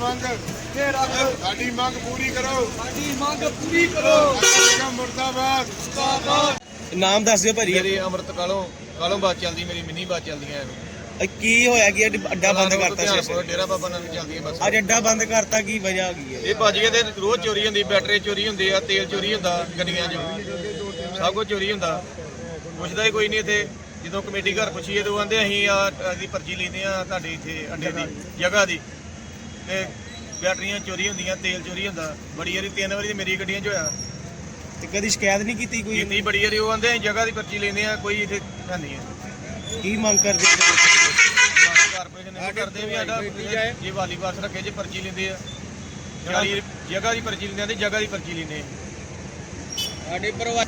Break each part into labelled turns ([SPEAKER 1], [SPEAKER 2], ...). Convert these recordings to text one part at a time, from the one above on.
[SPEAKER 1] ਮੰਗ ਸਾਡੀ ਮੰਗ ਪੂਰੀ ਕਰੋ। ਮੁਰਦਾਬਾਦ।
[SPEAKER 2] ਨਾਮ ਦੱਸ ਦਿਓ ਭਾਜੀ।
[SPEAKER 3] ਮੇਰੀ ਅੰਮ੍ਰਿਤ ਕਾਲੋਂ ਬਾਤ ਚੱਲਦੀ, ਮੇਰੀ ਮਿੰਨੀ ਬਾਤ ਚੱਲਦੀਆਂ ਐ।
[SPEAKER 2] ਕੀ ਹੋਇਆ ਕਿ ਅੱਡਾ ਬੰਦ ਕਰਤਾ ਸੀ?
[SPEAKER 3] ਡੇਰਾ ਬਾਬਾ ਨਾਨਕ ਚੱਲਦੀਆਂ ਬਸ।
[SPEAKER 2] ਅੱਜ ਅੱਡਾ ਬੰਦ ਕਰਤਾ, ਕੀ ਵਜ੍ਹਾ ਕੀ ਹੈ?
[SPEAKER 3] ਇਹ ਭੱਜ ਗਏ ਤੇ ਰੋਜ਼ ਚੋਰੀ ਹੁੰਦੀ, ਬੈਟਰੀ ਚੋਰੀ ਹੁੰਦੇ ਆ, ਤੇਲ ਚੋਰੀ ਹੁੰਦਾ ਗੱਡੀਆਂ 'ਚ, ਸਭ ਕੁਝ ਚੋਰੀ ਹੁੰਦਾ। ਪੁੱਛਦਾ ਹੀ ਕੋਈ ਨਹੀਂ ਇੱਥੇ। ਜਦੋਂ ਕਮੇਟੀ ਘਰ ਪੁੱਛੀਏ ਤਾਂ ਕਹਿੰਦੇ ਅਸੀਂ ਦੀ ਪਰਚੀ ਲੈਂਦੇ ਆ ਤੁਹਾਡੇ ਇੱਥੇ ਅੱਡੇ ਦੀ ਜਗ੍ਹਾ ਦੀ, ਤੇ ਬੈਟਰੀਆਂ ਚੋਰੀ ਹੁੰਦੀਆਂ, ਤੇਲ ਚੋਰੀ ਹੁੰਦਾ। ਬੜੀ ਵਾਰੀ 3 ਵਾਰੀ ਮੇਰੀ ਗੱਡੀਆਂ 'ਚ ਹੋਇਆ।
[SPEAKER 2] ਤੇ ਕਦੀ ਸ਼ਿਕਾਇਤ ਨਹੀਂ ਕੀਤੀ ਕੋਈ?
[SPEAKER 3] ਕੀਤੀ ਬੜੀ ਵਾਰੀ। ਉਹ ਕਹਿੰਦੇ ਅਸੀਂ ਜਗ੍ਹਾ ਦੀ ਪਰਚੀ ਲੈਂਦੇ ਆ, ਕੋਈ ਇੱਥੇ ਹੈ ਨਹੀਂ ਹੈ।
[SPEAKER 2] ਕੀ ਮੰਗ ਕਰਦੇ?
[SPEAKER 3] ਕਾਰਪੋਰੇਸ਼ਨ ਇਹ ਕਰਦੇ ਵੀ ਸਾਡਾ ਜੇ ਵਾਲੀ ਬਾਸ ਰੱਖੇ ਜੇ ਪਰਚੀ ਲੈਂਦੇ ਆ, 40 ਜਗ੍ਹਾ ਦੀ ਪਰਚੀ ਲੈਂਦੇ ਆ ਤੇ ਜਗ੍ਹਾ ਦੀ ਪਰਚੀ ਲੈਂਦੇ ਆ।
[SPEAKER 2] ਸਾਡੇ ਪਰਿਵਾਰ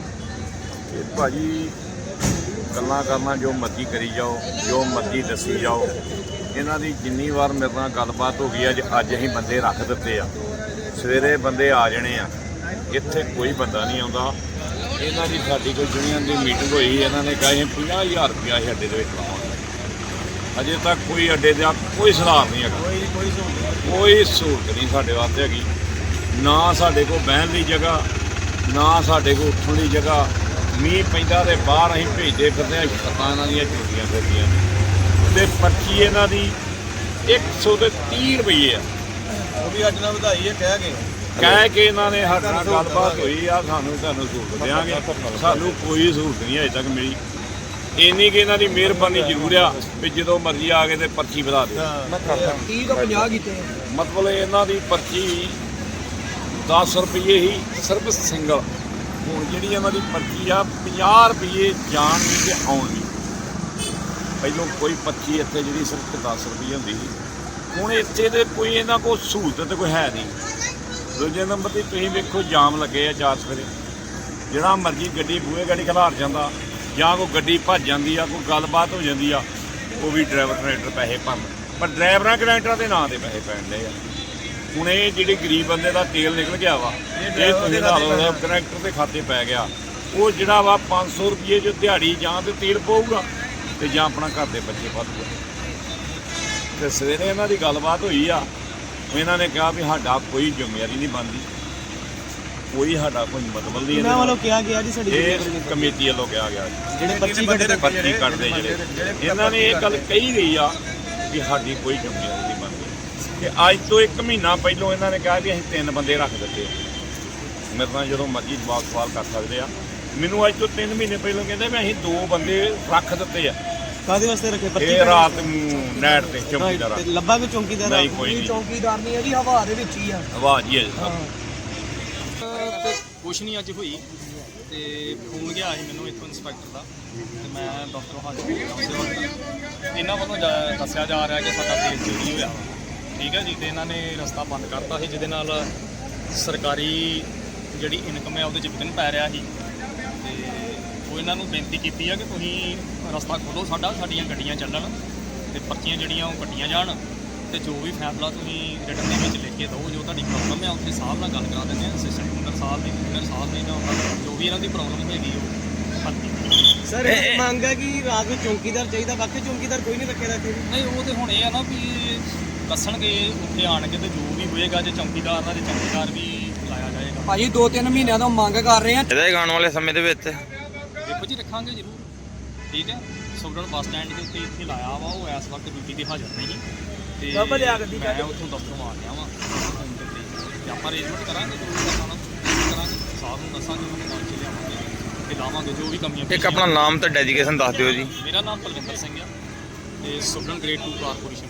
[SPEAKER 4] ਭਾਜੀ ਗੱਲਾਂ ਕਰਨਾ ਜੋ ਮਰਜ਼ੀ ਕਰੀ ਜਾਓ, ਜੋ ਮਰਜ਼ੀ ਦੱਸੀ ਜਾਓ। ਇਹਨਾਂ ਦੀ ਜਿੰਨੀ ਵਾਰ ਮੇਰੇ ਨਾਲ ਗੱਲਬਾਤ ਹੋ ਗਈ ਅੱਜ ਅਸੀਂ ਬੰਦੇ ਰੱਖ ਦਿੱਤੇ ਆ। ਸਵੇਰੇ ਬੰਦੇ ਆ ਜਾਣੇ ਆ, ਇੱਥੇ ਕੋਈ ਬੰਦਾ ਨਹੀਂ ਆਉਂਦਾ। ਇਹਨਾਂ ਦੀ ਸਾਡੀ ਕੋਈ ਯੂਨੀਅਨ ਦੀ ਮੀਟਿੰਗ ਹੋਈ, ਇਹਨਾਂ ਨੇ ਕਿਹਾ 50,000 ਰੁਪਇਆ ਅਸੀਂ ਅੱਡੇ ਦੇ ਵਿੱਚ ਲਾਵਾਂਗੇ। ਅਜੇ ਤੱਕ ਕੋਈ ਅੱਡੇ ਦਾ ਕੋਈ ਸੁਧਾਰ ਨਹੀਂ ਹੈਗਾ, ਕੋਈ ਸਹੂਲਤ ਨਹੀਂ ਸਾਡੇ ਵਾਸਤੇ ਹੈਗੀ। ਨਾ ਸਾਡੇ ਕੋਲ ਬਹਿਣ ਦੀ ਜਗ੍ਹਾ, ਨਾ ਸਾਡੇ ਕੋਲ ਉੱਠਣ ਦੀ ਜਗ੍ਹਾ। ਮੀਂਹ ਪੈਂਦਾ ਤੇ ਬਾਹਰ ਅਸੀਂ ਭੇਜਦੇ ਫਿਰਦੇ ਹਾਂ, ਛੱਤਾਂ ਇਹਨਾਂ ਦੀਆਂ ਚੁੱਕੀਆਂ ਫਿਰਦੀਆਂ ਤੇ ਪਰਚੀ ਇਹਨਾਂ ਦੀ 130 ਰੁਪਏ ਆ।
[SPEAKER 3] ਉਹ ਵੀ ਅੱਜ ਨਾਲ ਵਧਾਈ ਹੈ
[SPEAKER 4] ਕਹਿ ਕੇ ਇਹਨਾਂ ਨੇ ਸਾਡੇ ਨਾਲ ਗੱਲਬਾਤ ਹੋਈ ਆ, ਤੁਹਾਨੂੰ ਸਹੂਲਤ ਦਿਆਂਗੇ। ਸਾਨੂੰ ਕੋਈ ਸਹੂਲਤ ਨਹੀਂ ਅਜੇ ਤੱਕ ਮਿਲੀ। ਇੰਨੀ ਕਿ ਇਹਨਾਂ ਦੀ ਮਿਹਰਬਾਨੀ ਜ਼ਰੂਰ ਆ ਵੀ ਜਦੋਂ ਮਰਜ਼ੀ ਆ ਕੇ ਤੇ ਪਰਚੀ ਵਧਾ ਦਿਓ।
[SPEAKER 2] 30 ਤੋਂ 50 ਕੀਤੇ।
[SPEAKER 4] ਮਤਲਬ ਇਹਨਾਂ ਦੀ ਪਰਚੀ 10 ਰੁਪਏ ਹੀ ਸਿਰਫ ਸਿੰਗਲ। ਹੁਣ ਜਿਹੜੀ ਇਹਨਾਂ ਦੀ ਪਰਚੀ ਆ 50 ਰੁਪਏ ਜਾਣ ਦੀ ਤੇ ਆਉਣ ਦੀ। ਪਹਿਲੋਂ ਕੋਈ ਪਰਚੀ ਇੱਥੇ ਜਿਹੜੀ ਸਿਰਫ 10 ਰੁਪਏ ਹੁੰਦੀ ਸੀ, ਹੁਣ ਇੱਥੇ ਤੇ ਕੋਈ ਇਹਨਾਂ ਕੋਲ ਸਹੂਲਤ ਤੇ ਕੋਈ ਹੈ ਨਹੀਂ। ਦੂਜੇ ਨੰਬਰ 'ਤੇ ਤੁਸੀਂ ਵੇਖੋ ਜਾਮ ਲੱਗੇ ਆ 4 ਸਵੇਰੇ। ਜਿਹੜਾ ਮਰਜ਼ੀ ਗੱਡੀ ਬੂਹੇ ਗਾੜੀ ਖਿਲਾਰ ਜਾਂਦਾ, ਜਾਂ ਕੋਈ ਗੱਡੀ ਭੱਜ ਜਾਂਦੀ ਆ, ਕੋਈ ਗੱਲਬਾਤ ਹੋ ਜਾਂਦੀ ਆ, ਉਹ ਵੀ ਡਰਾਈਵਰ ਕਨੈਕਟਰ ਪੈਸੇ ਭਰਨ। ਪਰ ਡਰਾਈਵਰਾਂ ਕਨੈਕਟਰਾਂ ਦੇ ਨਾਂ 'ਤੇ ਪੈਸੇ ਪੈਣ ਡਏ ਆ। ਹੁਣ ਇਹ ਜਿਹੜੇ ਗਰੀਬ ਬੰਦੇ ਦਾ ਤੇਲ ਨਿਕਲ ਗਿਆ ਵਾ, ਇਹ ਤੁਸੀਂ ਲਾ ਲਓ ਕਨੈਕਟਰ ਦੇ ਖਾਤੇ ਪੈ ਗਿਆ। ਉਹ ਜਿਹੜਾ ਵਾ 500 ਰੁਪਏ ਜੋ ਦਿਹਾੜੀ ਜਾਂ ਤੇ ਤੇਲ ਪਊਗਾ ਤੇ ਜਾਂ ਆਪਣਾ ਘਰ ਦੇ ਬੱਚੇ ਪਾਲੂਗਾ। ਤੇ ਸਵੇਰੇ ਇਹਨਾਂ ਦੀ ਗੱਲਬਾਤ ਹੋਈ ਆ, ਇਹਨਾਂ ਨੇ ਕਿਹਾ ਵੀ ਸਾਡਾ ਕੋਈ ਜ਼ਿੰਮੇਵਾਰੀ ਨਹੀਂ ਬਣਦੀ, ਕੋਈ ਸਾਡਾ ਕੋਈ ਮਤਲਬ ਨਹੀਂ।
[SPEAKER 2] ਇਹਨਾਂ ਵੱਲੋਂ ਕਿਹਾ ਗਿਆ ਜੀ ਸਾਡੀ
[SPEAKER 4] ਇਹ ਕਮੇਟੀ ਵੱਲੋਂ ਕਿਹਾ ਗਿਆ
[SPEAKER 2] ਜਿਹੜੇ
[SPEAKER 4] ਪਰਚੀ ਕੱਢਦੇ ਜਿਹੜੇ ਇਹਨਾਂ ਨੇ ਇਹ ਗੱਲ ਕਹੀ ਗਈ ਆ ਵੀ ਸਾਡੀ ਕੋਈ ਜ਼ਿੰਮੇਵਾਰੀ ਨਹੀਂ ਬਣਦੀ। ਤੇ ਅੱਜ ਤੋਂ 1 ਮਹੀਨਾ ਪਹਿਲਾਂ ਇਹਨਾਂ ਨੇ ਕਿਹਾ ਵੀ ਅਸੀਂ 3 ਬੰਦੇ ਰੱਖ ਦਿੱਤੇ। ਮੇਰੇ ਨਾਲ ਜਦੋਂ ਮਰਜ਼ੀ ਜਵਾਬ ਸਵਾਲ ਕਰ ਸਕਦੇ ਆ। ਮੈਨੂੰ ਅੱਜ ਤੋਂ 3 ਮਹੀਨੇ ਪਹਿਲਾਂ ਕਹਿੰਦੇ ਵੀ ਅਸੀਂ 2 ਬੰਦੇ ਰੱਖ ਦਿੱਤੇ ਆ।
[SPEAKER 2] ਕਾਹਦੇ ਵਾਸਤੇ ਰੱਖੇ?
[SPEAKER 4] ਇਹ ਰਾਤ ਨੂੰ ਨੈਟ ਤੇ ਚੌਕੀਦਾਰ
[SPEAKER 2] ਲੱਭਾ ਕੋਈ ਚੌਕੀਦਾਰ?
[SPEAKER 4] ਨਹੀਂ, ਕੋਈ ਨਹੀਂ
[SPEAKER 2] ਚੌਕੀਦਾਰ ਨਹੀਂ ਹੈ ਜੀ, ਹਵਾ ਦੇ ਵਿੱਚ ਹੀ ਆ।
[SPEAKER 4] ਆਵਾਜ਼ ਹੀ ਹੈ ਸਭ।
[SPEAKER 5] ਤੇ ਕੁਛ ਨਹੀਂ ਅੱਜ ਹੋਈ ਤੇ ਫੋਨ ਗਿਆ ਸੀ ਮੈਨੂੰ ਇੱਥੋਂ ਇੰਸਪੈਕਟਰ ਦਾ ਤੇ ਮੈਂ ਦਫ਼ਤਰ ਹਾਜ਼ਰ ਹੋਇਆ। ਇਹਨਾਂ ਵੱਲੋਂ ਦੱਸਿਆ ਜਾ ਰਿਹਾ ਕਿ ਸਾਡਾ ਤੇਲ ਚੋਰੀ ਹੋਇਆ, ਠੀਕ ਹੈ ਜੀ। ਤੇ ਇਹਨਾਂ ਨੇ ਰਸਤਾ ਬੰਦ ਕਰਤਾ ਸੀ, ਜਿਹਦੇ ਨਾਲ ਸਰਕਾਰੀ ਜਿਹੜੀ ਇਨਕਮ ਹੈ ਉਹਦੇ 'ਚ ਵਿਘਨ ਪੈ ਰਿਹਾ ਸੀ। ਤੇ ਉਹ ਇਹਨਾਂ ਨੂੰ ਬੇਨਤੀ ਕੀਤੀ ਆ ਕਿ ਤੁਸੀਂ ਰਸਤਾ ਖੋਲ੍ਹੋ ਸਾਡੀਆਂ ਗੱਡੀਆਂ ਚੱਲਣ ਤੇ ਪਰਚੀਆਂ ਜਿਹੜੀਆਂ ਉਹ ਕੱਟੀਆਂ ਜਾਣ, ਤੇ ਜੋ ਵੀ ਫੈਸਲਾ ਤੁਸੀਂ ਰਿਟਨ ਦੇ ਵਿੱਚ ਲਿਖ ਕੇ ਦਿਓ, ਜੋ ਤੁਹਾਡੀ ਪ੍ਰੋਬਲਮ ਹੈ ਉੱਥੇ ਸਾਹਿਬ ਨਾਲ ਗੱਲ ਕਰਾ ਦਿੰਦੇ ਹਾਂ। ਅਸਿਸਟੈਂਟ ਸਾਹਿਬ ਦੀ ਇੰਜੀਨੀਅਰ ਸਾਹਿਬ ਨੇ ਜਾਂ ਜੋ ਵੀ ਇਹਨਾਂ ਦੀ ਪ੍ਰੋਬਲਮ ਹੈਗੀ ਉਹ ਹੱਲ ਕੀਤੀ।
[SPEAKER 2] ਸਰ ਇਹ ਮੰਗ ਹੈ ਕਿ ਰਾਤ ਨੂੰ ਚੌਕੀਦਾਰ ਚਾਹੀਦਾ, ਬਾਕੀ ਚੌਕੀਦਾਰ ਕੋਈ ਨਹੀਂ ਰੱਖਿਆ ਇੱਥੇ?
[SPEAKER 5] ਨਹੀਂ, ਉਹ ਤੇ ਹੁਣ ਇਹ ਆ ਨਾ ਵੀ ਦੱਸਣਗੇ ਉੱਥੇ ਆਣਗੇ ਤੇ ਜੋ ਵੀ ਹੋਏਗਾ, ਜੇ ਚੌਕੀਦਾਰ ਦਾ ਤੇ ਚੌਕੀਦਾਰ ਵੀ ਲਾਇਆ ਜਾਏਗਾ।
[SPEAKER 2] ਭਾਜੀ 2-3 ਮਹੀਨਿਆਂ ਤੋਂ ਮੰਗ ਕਰ ਰਹੇ ਆ
[SPEAKER 6] ਇਹਦੇ ਆਉਣ ਵਾਲੇ ਸਮੇਂ ਦੇ ਵਿੱਚ
[SPEAKER 5] ਦੇਖੋ ਜੀ, ਰੱਖਾਂਗੇ ਜ਼ਰੂਰ, ਠੀਕ ਹੈ। ਸੁਗੜਨ ਬੱਸ ਸਟੈਂਡ ਦੇ ਉੱਤੇ ਇੱਥੇ ਲਾਇਆ ਵਾ, ਉਹ ਇਸ ਵਕਤ ਡਿਊਟੀ 'ਤੇ ਹਾਜ਼ਰ ਨਹੀਂ ਤੇ ਮੈਂ ਉੱਥੋਂ ਦਫ਼ਤਰੋਂ ਆ ਗਿਆ ਵਾਂ ਤੇ ਆਪਾਂ ਅਰੇਂਜਮੈਂਟ ਕਰਾਂਗੇ, ਜ਼ਰੂਰ ਕਰਾਂਗੇ। ਸਾਹਿਬ ਨੂੰ ਦੱਸਾਂਗੇ, ਉਹਨਾਂ ਨੂੰ ਨਾਲ 'ਚ ਲਿਆਵਾਂਗੇ ਤੇ ਲਾਵਾਂਗੇ ਜੋ ਵੀ ਕਮੀਆਂ।
[SPEAKER 6] ਇੱਕ ਆਪਣਾ ਨਾਮ ਤੇ ਡੈਡੀਕੇਸ਼ਨ ਦੱਸ ਦਿਓ ਜੀ।
[SPEAKER 5] ਮੇਰਾ ਨਾਮ ਪਲਵਿੰਦਰ ਸਿੰਘ ਆ ਤੇ ਸੁਗੜਨ ਗ੍ਰੇਡ 2 ਕਾਰਪੋਰੇਸ਼ਨ।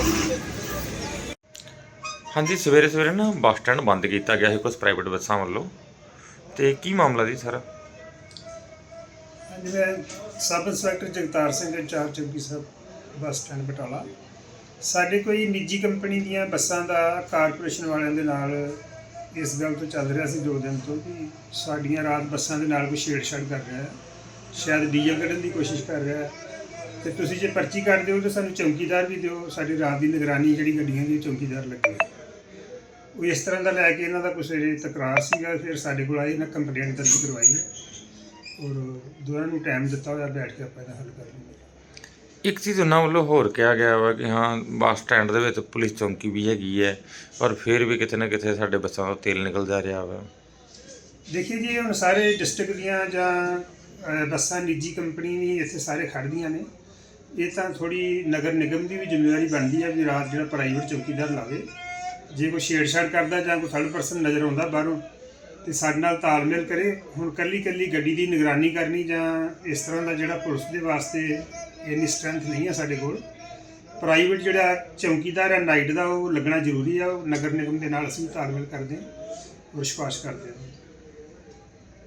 [SPEAKER 6] ਹਾਂਜੀ, ਸਵੇਰੇ ਸਵੇਰੇ ਨਾ ਬੱਸ ਸਟੈਂਡ ਬੰਦ ਕੀਤਾ ਗਿਆ ਸੀ ਕੁਝ ਪ੍ਰਾਈਵੇਟ ਬੱਸਾਂ ਵੱਲੋਂ, ਤੇ ਕੀ ਮਾਮਲਾ ਜੀ ਸਾਰਾ?
[SPEAKER 7] ਹਾਂਜੀ, ਮੈਂ sub inspector Jagtar Singh, incharge ਚੌਕੀ ਸਾਹਿਬ ਬੱਸ ਸਟੈਂਡ ਬਟਾਲਾ। ਸਾਡੇ ਕੋਈ ਨਿੱਜੀ ਕੰਪਨੀ ਦੀਆਂ ਬੱਸਾਂ ਦਾ ਕਾਰਪੋਰੇਸ਼ਨ ਵਾਲਿਆਂ ਦੇ ਨਾਲ ਇਸ ਗੱਲ ਤੋਂ ਚੱਲ ਰਿਹਾ ਸੀ 2 ਦਿਨ ਤੋਂ ਕਿ ਸਾਡੀਆਂ ਰਾਤ ਬੱਸਾਂ ਦੇ ਨਾਲ ਕੋਈ ਛੇੜਛਾੜ ਕਰ ਰਿਹਾ ਹੈ, ਸ਼ਾਇਦ ਡੀਜ਼ਲ ਕੱਢਣ ਦੀ ਕੋਸ਼ਿਸ਼ ਕਰ ਰਿਹਾ ਹੈ। ਤੇ ਤੁਸੀਂ ਜੇ ਪਰਚੀ ਕੱਢ ਦਿਓ ਤਾਂ ਸਾਨੂੰ ਚੌਕੀਦਾਰ ਵੀ ਦਿਓ, ਸਾਡੀ ਰਾਤ ਦੀ ਨਿਗਰਾਨੀ ਜਿਹੜੀ ਗੱਡੀਆਂ ਦੀ ਚੌਕੀਦਾਰ ਲੱਗੇ। ਉਹ ਇਸ ਤਰ੍ਹਾਂ ਦਾ ਲੈ ਕੇ ਇਹਨਾਂ ਦਾ ਕੁਛ ਤਕਰਾਰ ਸੀਗਾ। ਫਿਰ ਸਾਡੇ ਕੋਲ ਆਏ, ਇਹਨਾਂ ਕੰਪਲੇਂਟ ਦਰਜ ਕਰਵਾਈ ਹੈ ਔਰ ਦੋਨਾਂ ਨੂੰ ਟਾਈਮ ਦਿੱਤਾ ਹੋਇਆ, ਬੈਠ ਕੇ ਆਪਾਂ ਇਹਦਾ ਹੱਲ ਕਰ ਲਵਾਂਗੇ।
[SPEAKER 6] ਇੱਕ ਚੀਜ਼ ਉਹਨਾਂ ਵੱਲੋਂ ਹੋਰ ਕਿਹਾ ਗਿਆ ਵਾ ਕਿ ਹਾਂ ਬੱਸ ਸਟੈਂਡ ਦੇ ਵਿੱਚ ਪੁਲਿਸ ਚੌਂਕੀ ਵੀ ਹੈਗੀ ਹੈ, ਪਰ ਫਿਰ ਵੀ ਕਿਤੇ ਨਾ ਕਿਤੇ ਸਾਡੇ ਬੱਸਾਂ ਤੋਂ ਤੇਲ ਨਿਕਲ ਜਾ ਰਿਹਾ ਵਾ।
[SPEAKER 7] ਦੇਖिए जी, ਹੁਣ ਸਾਰੇ ਡਿਸਟ੍ਰਿਕਟ ਦੀਆਂ ਜਾਂ ਬੱਸਾਂ ਨਿੱਜੀ ਕੰਪਨੀ ਵੀ ਇੱਥੇ ਸਾਰੇ ਖੜ੍ਹਦੀਆਂ ਨੇ। ਇਹ ਤਾਂ ਥੋੜ੍ਹੀ ਨਗਰ ਨਿਗਮ ਦੀ ਵੀ ਜ਼ਿੰਮੇਵਾਰੀ ਬਣਦੀ ਹੈ ਵੀ ਰਾਤ ਜਿਹੜਾ ਪ੍ਰਾਈਵੇਟ ਚੌਕੀਦਾਰ ਲਾਵੇ। ਜੇ ਕੋਈ ਛੇੜਛਾੜ ਕਰਦਾ ਜਾਂ ਕੋਈ ਥਰਡ ਪਰਸਨ ਨਜ਼ਰ ਆਉਂਦਾ ਬਾਹਰੋਂ ਤੇ ਸਾਡੇ ਨਾਲ ਤਾਲਮੇਲ ਕਰੇ। ਹੁਣ ਕੱਲੀ ਗੱਡੀ ਦੀ ਨਿਗਰਾਨੀ ਕਰਨੀ ਜਾਂ ਇਸ ਤਰ੍ਹਾਂ ਦਾ ਜਿਹੜਾ ਪੁਲਿਸ ਦੇ ਵਾਸਤੇ ਇੰਨੀ ਸਟਰੈਂਥ ਨਹੀਂ ਹੈ ਸਾਡੇ ਕੋਲ। ਪ੍ਰਾਈਵੇਟ ਜਿਹੜਾ ਚੌਕੀਦਾਰ ਹੈ ਨਾਈਟ ਦਾ, ਉਹ ਲੱਗਣਾ ਜ਼ਰੂਰੀ ਆ। ਉਹ ਨਗਰ ਨਿਗਮ ਦੇ ਨਾਲ ਅਸੀਂ ਤਾਲਮੇਲ ਕਰਦੇ ਹਾਂ, ਵਿਸ਼ਵਾਸ ਕਰਦੇ ਹਾਂ।